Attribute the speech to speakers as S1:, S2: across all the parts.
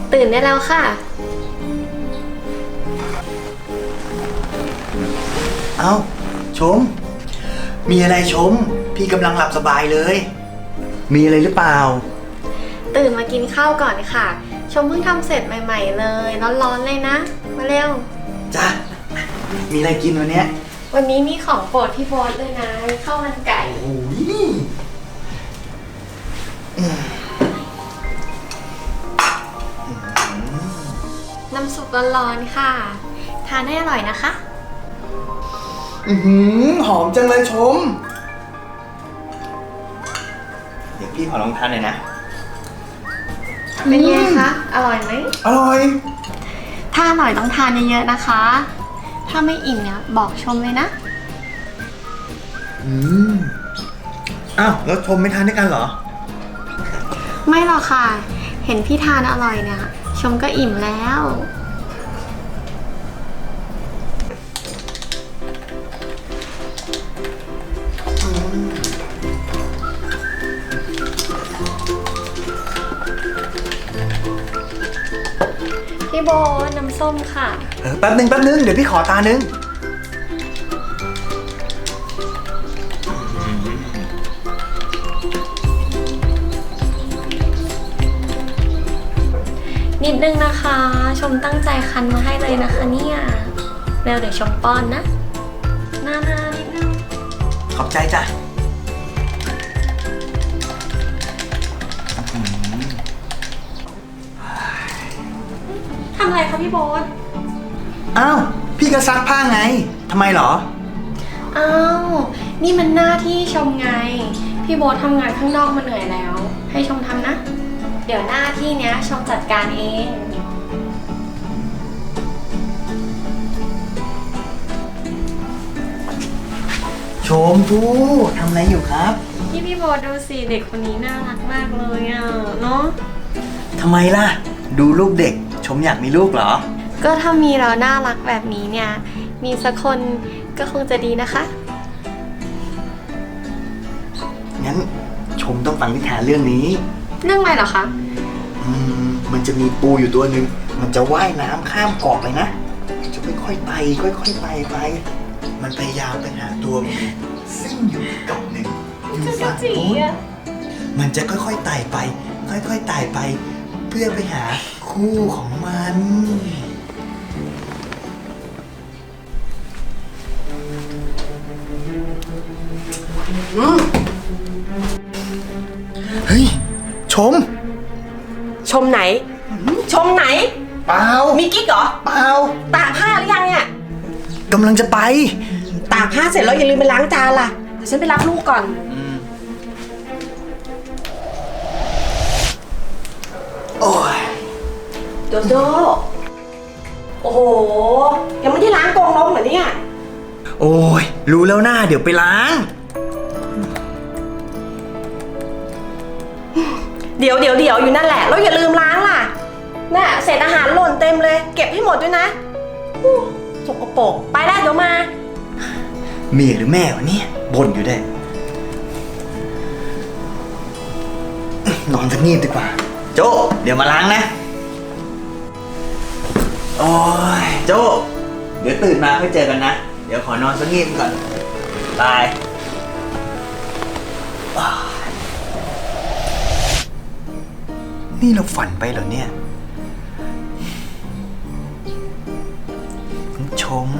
S1: ตื่นได้แล้วค่ะ
S2: เอ้าชมมีอะไรชมพี่กำลังหลับสบายเลยมีอะไรหรือเปล่า
S1: ตื่นมากินข้าวก่อนค่ะชมเพิ่งทำเสร็จใหม่ๆเลยร้อนๆเลยนะมาเร็ว
S2: จ้ะมีอะไรกินวันเนี้ย
S1: วันนี้มีของโปรดพี่โบ๊ทเลยนะข้าวมันไก่
S2: โอ้ย
S1: น้ำซุปร้อนๆค่ะทานให้อร่อยนะคะ
S2: หอมจังเลยชมเดี๋ยวพี่ขอลองทานหน่อยนะ
S1: เป็นไงคะอร่อยไหม
S2: อร่อย
S1: ถ้าอร่อยต้องทานเยอะๆนะคะถ้าไม่อิ่มเนี่ยบอกชมเลยนะ
S2: อ้าวแล้วชมไม่ทานด้วยกันเหรอ
S1: ไม่หรอกค่ะเห็นพี่ทานอร่อยเนี่ยชมก็อิ่มแล้วพี่โบน้ำส้มค่ะ
S2: แป๊บนึงเดี๋ยวพี่ขอตานึง
S1: นิดนึงนะคะชมตั้งใจคั้นมาให้เลยนะคะเนี่ยแล้วเดี๋ยวชมป้อนนะนานิดนึง
S2: ขอบใจจ้ะ
S1: ทำอะไรคะพี่โบ๊ท
S2: อ้าวพี่ก็ซักผ้าไงทำไมเหรอ
S1: อ้าวนี่มันหน้าที่ชมไงพี่โบ๊ททำงานข้างนอกมาเหนื่อยแล้วให้ชมทำนะเดี๋ยวหน้าที่เนี้ยชมจัดการเอง
S2: ชมพู่ทำอะไรอยู่ครับ
S1: พี่โบ๊ทดูสิเด็กคนนี้น่ารักมากเลยอ่ะเนาะ
S2: ทำไมล่ะดูลูกเด็กชมอยากมีลูกเหรอ
S1: ก็ถ้ามีเราน่ารักแบบนี้เนี่ยมีสักคนก็คงจะดีนะคะ
S2: งั้นชมต้องฟังนิทานเรื่องนี้
S1: เรื่องอะไรเหรอคะ
S2: มันจะมีปูอยู่ตัวหนึ่งมันจะว่ายน้ำข้ามเกาะไปนะจะค่อยๆไต่ค่อยๆไต่ไปมันพยายามไปหาตัวมันซึ่งอยู่เกาะหนึ่งอยู่ฝั่งนู้นมันจะค่อยๆไต่ไปค่อยๆไต่ไปเพื่อไปหาคู่ของมันเฮ้ยชม
S3: ไหนชมไหน
S2: เปล่า
S3: มีกิ๊กเหรอ
S2: เปล่า
S3: ตากผ้าหรือยังเนี่ย
S2: กำลังจะไป
S3: ตากผ้าเสร็จแล้วอย่าลืมไปล้างจานล่ะเดี๋ยวฉันไปรับลูกก่อน
S2: โอ้ย
S3: โจโจโอ้โหยังไม่ได้ล้างกรงนกเหรอเนี่ย
S2: โอ้ยรู้แล้วหน้าเดี๋ยวไปล้าง
S3: เดี๋ยวอยู่นั่นแหละแล้วอย่าลืมล้างล่ะน่ะเศษอาหารหล่นเต็มเลยเก็บให้หมดด้วยนะสกปรกไปแล้วเดี๋ยวมา
S2: เมียหรือแม่วะเนี่ยบ่นอยู่ได้นอนสักงีบดีกว่าโจเดี๋ยวมาล้างนะโอ้ยโจเดี๋ยวตื่นมาค่อยเจอกันนะเดี๋ยวขอนอนสักงีบก่อนบายนี่เราฝันไปเหรอเนี่ยชม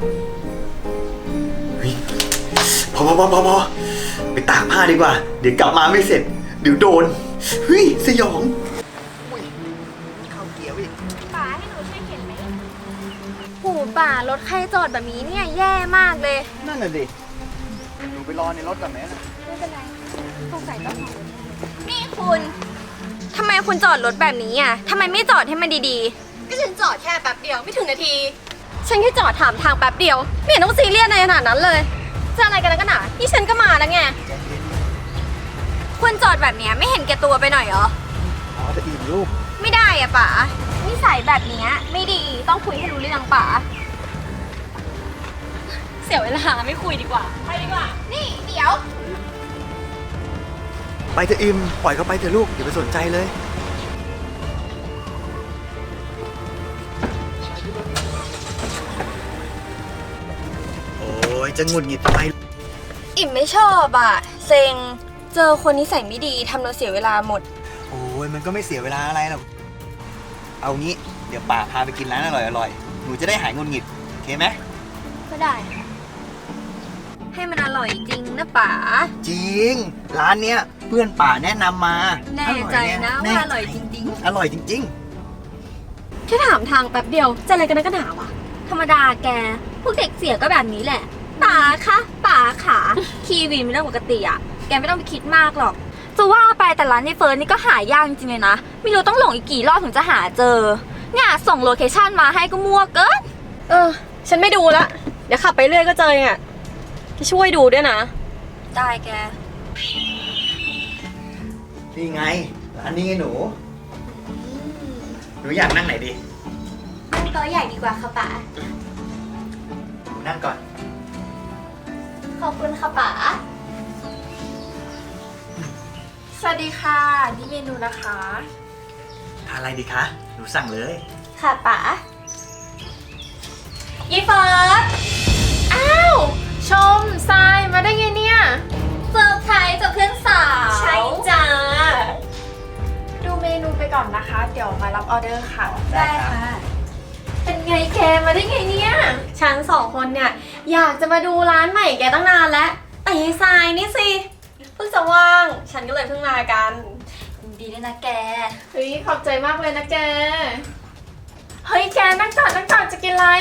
S2: เฮ้ยพอไปตากผ้าดีกว่าเดี๋ยวกลับมาไม่เสร็จเดี๋ยวโดนเฮ้ยสยองเข้าเกียร์อีก
S4: ป๋าให้หนูช่วยเข็นไหมหูป๋ารถใครจอดแบบนี้เนี่ยแย่มากเลย
S2: นั่นน่ะดิหนูไปรอในรถก่อนไหมนะ
S4: ไม่เป็นไรสงสัยต้องนี่คุณทำไมคุณจอดรถแบบนี้อ่ะทำไมไม่จอดให้มันดีๆก็ฉันจอดแค่แป๊บเดียวไม่ถึงนาทีฉันแค่จอดถามทางแป๊บเดียวไม่เห็นต้องซีเรียสในขนาดนั้นเลยจะอะไรกันกันหนานี่ฉันก็มาแล้วไงคุณจอดแบบนี้ไม่เห็นแก่ตัวไปหน่อยเหรอ
S2: จะอิ่มลูก
S4: ไม่ได้อ่ะป๋านิสัยแบบนี้ไม่ดีต้องคุยให้รู้เรื่องป๋าเสียเวลาไม่คุยดีกว่าไปดีกว่านี่เดี๋ยว
S2: ไปเถอะอิมปล่อยเขาไปเถอะลูกอย่าไปสนใจเลยจะหงุดหงิดทำไม
S4: อิ่มไม่ชอบอ่ะ เซ็ง เจอคนนิสัยไม่ดีทำเราเสียเวลาหมด
S2: โอ้ยมันก็ไม่เสียเวลาอะไรหรอก เอางี้ เดี๋ยวป่าพาไปกินร้านอร่อยๆ หนูจะได้หายหงุดหงิด โอเคไหม
S4: ก็ได้ ให้มันอร่อยจริงนะป๋า
S2: จริง ร้านเนี้ยเพื่อนป่าแนะนำมา
S4: แน่ใจนะ
S2: แน่
S4: ว่าอร่อยจริง
S2: อร่อยจริง
S4: แค่ถามทางแป๊บเดียวจะอะไรกันนักกันหนาวะธรรมดาแก พวกเด็กเสียก็แบบนี้แหละป๋าคะป๋าขาคีวีเป็นเรื่องปกติอะแกไม่ต้องไปคิดมากหรอก จะว่าไปแต่ร้านในเฟิร์นนี่ก็หายากจริงๆเลยนะ ไม่รู้ต้องหลงอีกกี่รอบถึงจะหาเจอ เนี่ยส่งโลเคชั่นมาให้ก็มั่วเกิน
S3: ฉันไม่ดูละ เดี๋ยวขับไปเรื่อยก็เจออ่ะจะช่วยดูด้วยนะ
S4: ได้แก
S2: ๆ นี่ไง ร้านนี้ไงหนู หนูอยากนั่งไหนดี
S4: นั่งโต๊ะใหญ่ดีกว่าค่ะป๋า
S2: หนูนั่งก่อน
S4: ขอบคุณค่ะป๋า
S3: สวัสดีค่ะ นี่เมนูนะคะ
S2: ทานอะไรดีคะ หนูสั่งเลย
S4: ค่ะป๋ายีเฟิร์ส
S3: อ้าว ชมทรายมาได้ไงเนี่ย
S4: เซอร์ไพรส์จากเพื่อนสาว
S3: ใช่จ้า ดูเมนูไปก่อนนะคะ เดี๋ยวมารับออเดอร์ค่ะ
S4: ได้ค่ะ
S3: เป็นไงแกมาได้ไงเนี่ย
S1: ฉันสองคนเนี่ยอยากจะมาดูร้านใหม่แกตั้งนานแล้วแต่ยายทรายนี่สิเพิ่งจะว่าง ฉันก็เลยเพิ่งมากัน
S4: ดีด้วยนะแก
S3: เฮ้ยขอบใจมากเลยนะแก เฮ้ยแกนั่งก่อนจะกินอะไร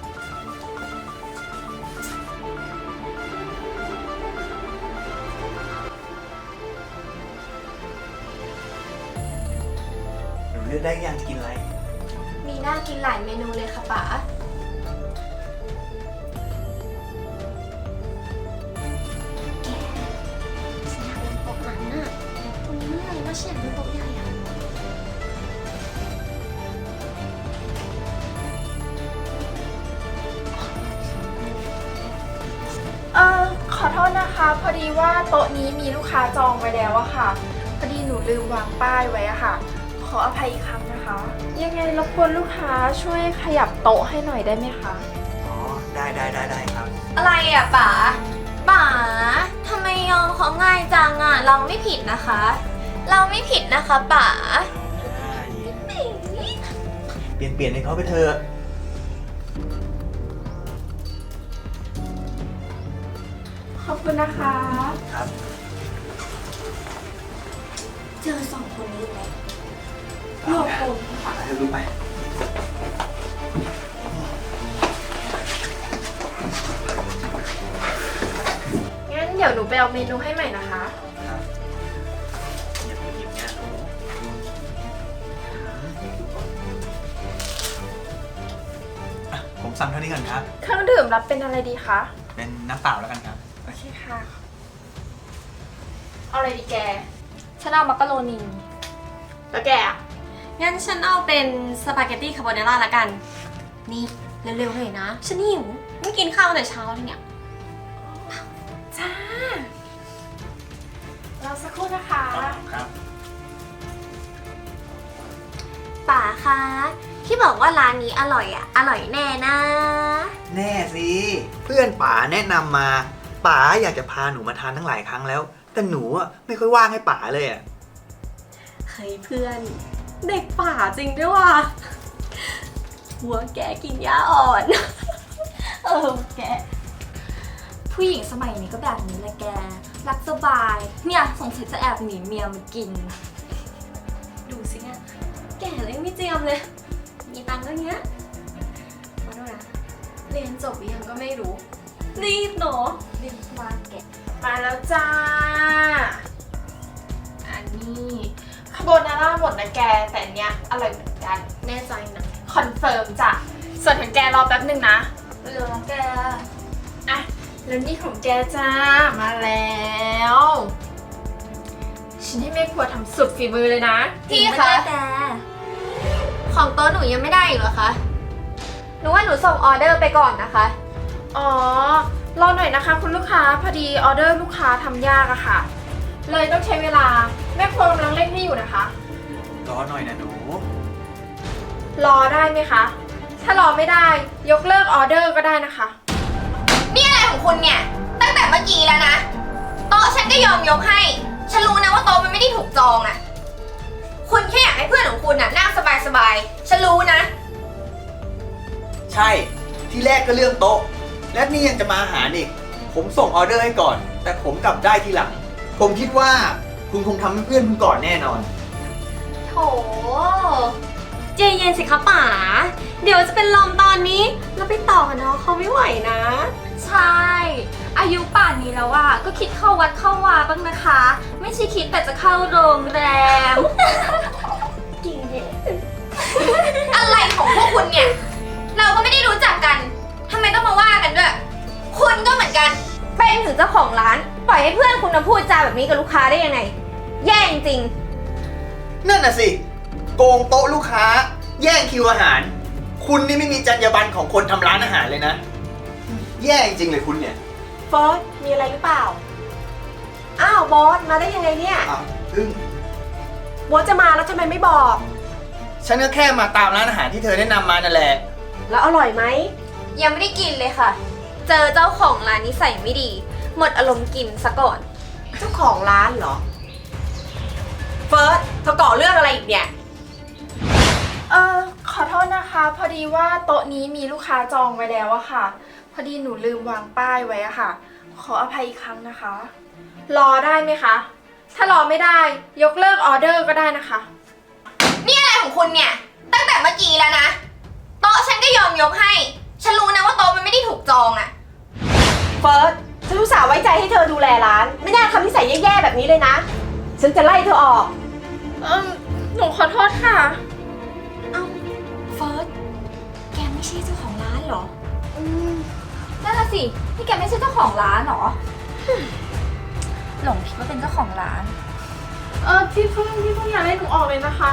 S2: หนูเลือกได้ยังจะกินอะไร
S4: มีน่ากินหลายเมนูเลยค่ะป๋า
S1: โต๊ะนั้นน่ะตรงนี้มันอะไรว่าเฉียงเป็นโต๊ะใหญ่อะ
S3: ขอโทษนะคะ พอดีว่าโต๊ะนี้มีลูกค้าจองไว้แล้วอะค่ะ พอดีหนูลืมวางป้ายไว้อะค่ะ ขออภัยอีกครั้งนะคะ ยังไงรบกวนลูกค้าช่วยขยับโต๊ะให้หน่อยได้ไหมคะ
S2: อ๋อ ได้ครับ
S4: อะไรอ่ะป๋า ป๋าทำไมยอมเขาง่ายจังอ่ะ เราไม่ผิดนะคะ เราไม่ผิดนะคะป๋า
S2: เปลี่ยนให้เขาไปเถอะ
S3: ขอบคุณนะคะ
S2: ครับ
S4: เจอสองคนนี้ไหม
S2: รวบรวมไปเถอะลูกไป
S3: งั้นเดี๋ยวหนูไปเอาเมนูให้ใหม่นะคะ
S2: ครับอย่าไปหยิบงานหนูอ่ะผมสั่งเท่านี้ก่อนครับ
S3: เครื่องดื่มรับเป็นอะไรดีคะ
S2: เป็นน้ำเปล่าแล้วกันครับ
S3: โอเคค่ะ เอาอะไรดีแก
S4: ฉันเอามักกะโรนี
S3: แล้วแกอะ
S1: งั้นฉันเอาเป็นสปาเกตตี้คาโบนาร่าละกัน นี่เร็วๆเลยนะ ฉันหิวไม่กินข้าวแต่เช้าเลยเนี่ย
S3: จ้า เราสักครู่นะคะ
S2: ครับ
S4: ป๋าคะ ที่บอกว่าร้านนี้อร่อยอ่ะ อร่อยแน่นะ
S2: แน่สิ เพื่อนป๋าแนะนำมา ป๋าอยากจะพาหนูมาทานทั้งหลายครั้งแล้ว แต่หนูอ่ะไม่ค่อยว่างให้ป๋าเลยอ่ะ
S1: เฮ้ยเพื่อน เด็กป่าจริงด้วยว่ะหัวแกกินหญ้าอ่อน
S4: แก ผู้หญิงสมัยนี้ก็แบบนี้แหละแก รักสบาย เนี่ยสงสัยจะแอบหนีเมียมากิน
S1: ดูสิเนี่ยแก่เลยไม่เจียมเลย มีตังค์ก็เงี้ยมาดูนะ เรียนจบหรือยังก็ไม่รู้ รีบเนาะ
S4: เรียกว่าแก
S3: มาแล้วจ้า อันนี้คาโบนาร่าหมดนะแก แต่อันเนี้ยอร่อยเหมือนกัน
S1: แน่ใจนะ
S3: คอนเฟิร์มจ้ะ ส่วนของแกรอแป๊บหนึ่งนะ
S4: เร็วนะแก
S3: อ่ะ แล้วนี่ของแกจ้า มาแล้ว ฉันให้แม่ครัวทำสุดฝีมือเลยนะ
S4: พี่คะแก ของโต๊ะหนูยังไม่ได้อีกเหรอคะ หนูว่าหนูส่งออเดอร์ไปก่อนนะคะ
S3: อ๋อ รอหน่อยนะคะคุณลูกค้า พอดีออเดอร์ลูกค้าทำยากอะค่ะ เลยต้องใช้เวลา แม่ครัวกำลังเร่งให้อยู่นะคะ
S2: รอหน่อยนะหนู
S3: รอได้ไหมคะ ถ้ารอไม่ได้ ยกเลิกออเดอร์ก็ได้นะคะ
S4: นี่อะไรของของคุณเนี่ย ตั้งแต่เมื่อกี้แล้วนะ โต๊ะฉันก็ยอมยกให้ ฉันรู้นะว่าโต๊ะมันไม่ได้ถูกจองอะคุณแค่อยากให้เพื่อนของคุณน่ะนั่งสบายๆ ฉันรู้นะ
S2: ใช่ ที่แรกก็เรื่องโต๊ะ และนี่ยังจะมาหาอีก ผมส่งออเดอร์ให้ก่อน แต่ผมกลับได้ทีหลัง ผมคิดว่าคุณคงทำให้เพื่อนคุณก่อนแน่นอน
S1: โถใจเย็นสิคะป๋า เดี๋ยวจะเป็นลมตอนนี้ แล้วไปต่อกับน้องเขาไม่ไหวนะ
S3: ใช่ อายุป่านนี้แล้วอะก็คิดเข้าวัดเข้าวาบ้างนะคะ ไม่ใช่คิดแต่จะเข้าโรงแรม
S4: อะไรของพวกคุณเนี่ย เราก็ไม่ได้รู้จักกัน ทำไมต้องมาว่ากันด้วย คุณก็เหมือนกัน เป็นถึงเจ้าของร้าน ปล่อยให้เพื่อนคุณมาพูดจาแบบนี้กับลูกค้าได้ยังไง แย่จริง
S2: นั่นน่ะสิ โกงโต๊ะลูกค้า แย่งคิวอาหาร คุณนี่ไม่มีจรรยาบรรณของคนทำร้านอาหารเลยนะ แย่จริงเลยคุณเนี่ย
S5: เฟิร์สมีอะไรหรือเปล่า อ้าวบอสมาได้ยังไงเนี่ย
S2: อ้าวพึ่ง
S5: บอสจะมาแล้วทำไมไม่บอก
S2: ฉันก็แค่มาตามร้านอาหารที่เธอแนะนำมานั่นแหละ
S5: แล้วอร่อยไหม
S4: ๆ ยังไม่ได้กินเลยค่ะ เจอเจ้าของร้านนิสัยไม่ดี หมดอารมณ์กินซะก่อน
S5: เจ้าของร้านเหรอ เฟิร์สเธอก่อเรื่องอะไรอีกเนี่ย
S3: ขอโทษนะคะ พอดีว่าโต๊ะนี้มีลูกค้าจองไว้แล้วอะค่ะ พอดีหนูลืมวางป้ายไว้อะค่ะ ขออภัยอีกครั้งนะคะ รอได้ไหมคะ ถ้ารอไม่ได้ยกเลิกออเดอร์ก็ได้นะคะ
S4: นี่อะไรของคุณเนี่ย ตั้งแต่เมื่อกี้แล้วนะ โต๊ะฉันก็ยอมยกให้ ฉันรู้นะว่าโต๊ะมันไม่ได้ถูกจองอะ
S5: เฟิร์สฉันอุตส่าห์ไว้ใจให้เธอดูแลร้าน ไม่น่าทำนิสัยแย่ๆแบบนี้เลยนะ ฉันจะไล่เธอออก
S3: หนูขอโทษค่ะ
S1: เอ้าเฟิร์สแกไม่ใช่เจ้าของร้านเหรอ
S3: นั่นน่ะสิ นี่แกไม่ใช่เจ้าของร้านเหรอ หลงคิดว่าเป็นเจ้าของร้าน พี่พึ่งอย่าไล่หนูออกเลยนะคะ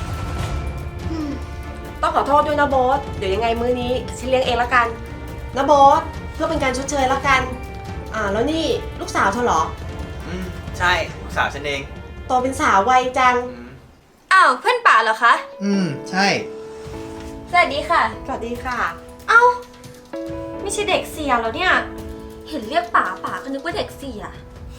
S5: ต้องขอโทษด้วยนะโบอสเดี๋ยวยังไงมื้อนี้ฉันเลี้ยงเองละกันนะโบอสเพื่อเป็นการชดเชยละกัน แล้วนี่ลูกสาวเธอเหรอ
S2: ใช่ลูกสาวฉันเอง
S5: โตเป็นสาววัยจัง
S4: อ้าวเพื่อนป่าเหรอคะ
S2: ใช่
S4: สวัสดีค่ะ
S5: สวัสดีค่ะ
S1: เอ้า ไม่ใช่เด็กเสียแล้วเนี่ย เห็นเรียกป๋าป๋าก็นึกว่าเด็กเสีย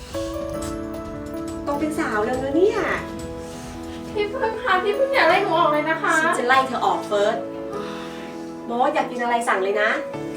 S5: โตเป็นสาวแล้วนะเนี่ย
S3: พี่พึ่งค่ะพี่พึ่งอย่าไล่หนูออกเลยนะคะ
S5: ฉันจะไล่เธอออกเฟิร์สโบอสอยากกินอะไรสั่งเลยนะ
S3: ไ